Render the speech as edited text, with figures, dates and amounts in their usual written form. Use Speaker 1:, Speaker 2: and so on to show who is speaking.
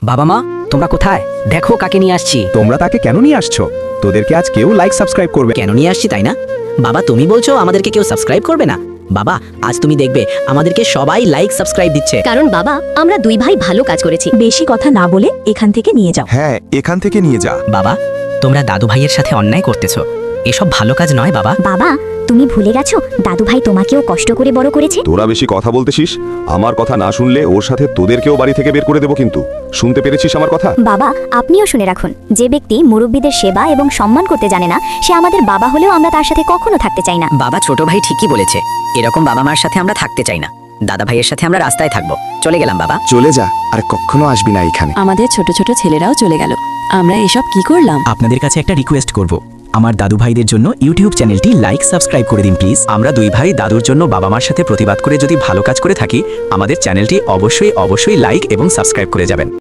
Speaker 1: বাবা মা তোমরা কোথায়? দেখো কাকে নিয়ে আসছি।
Speaker 2: তোমরা তাকে কেন নিয়ে আসছো? তোদেরকে আজ কেউ লাইক সাবস্ক্রাইব করবে।
Speaker 1: কেন নিয়ে আসছি তাই না? বাবা তুমি বলছো আমাদেরকে কেউ সাবস্ক্রাইব করবে না? বাবা আজ তুমি দেখবে আমাদেরকে সবাই লাইক সাবস্ক্রাইব দিচ্ছে।
Speaker 3: কারণ বাবা আমরা দুই ভাই ভালো কাজ করেছি।
Speaker 4: বেশি কথা না বলে এখান থেকে নিয়ে যাও।
Speaker 5: হ্যাঁ, এখান থেকে নিয়ে যা।
Speaker 1: বাবা তোমরা দাদু ভাইয়ের সাথে অন্যায় করতেছো, এসব ভালো কাজ নয় বাবা।
Speaker 3: বাবা তুমি ভুলে গেছো দাদু ভাই তোমাকেও কষ্ট করে বড় করেছে।
Speaker 5: তোরা বেশি কথা বলতেছিস, আমার কথা না শুনলে ওর সাথে তোদেরকেও বাড়ি থেকে বের করে দেবো কিন্তু। শুনতে পেরেছিস আমার কথা?
Speaker 3: বাবা আপনিও শুনে রাখুন, যে ব্যক্তি মুরব্বীদের সেবা এবং সম্মান করতে জানে না সে আমাদের বাবা হলেও আমরা তার সাথে কখনো থাকতে চাই না।
Speaker 1: বাবা ছোট ভাই ঠিকই বলেছে, এরকম বাবা মার সাথে আমরা থাকতে চাই না। দাদা ভাইয়ের সাথে আমরা রাস্তায় থাকবো। চলে গেলাম বাবা।
Speaker 5: চলে যা, আর কখনো আসবি না এখানে।
Speaker 4: আমাদের ছোট ছোট ছেলেরাও চলে গেল, আমরা এসব কি করলাম?
Speaker 6: আপনাদের কাছে একটা রিকোয়েস্ট করব, আমার দাদু ভাইদের জন্য ইউটিউব চ্যানেলটি লাইক সাবস্ক্রাইব করে দিন প্লিজ। আমরা দুই ভাই দাদুর জন্য বাবা মার সাথে প্রতিবাদ করে যদি ভালো কাজ করে থাকি, আমাদের চ্যানেলটি অবশ্যই লাইক এবং সাবস্ক্রাইব করে যাবেন।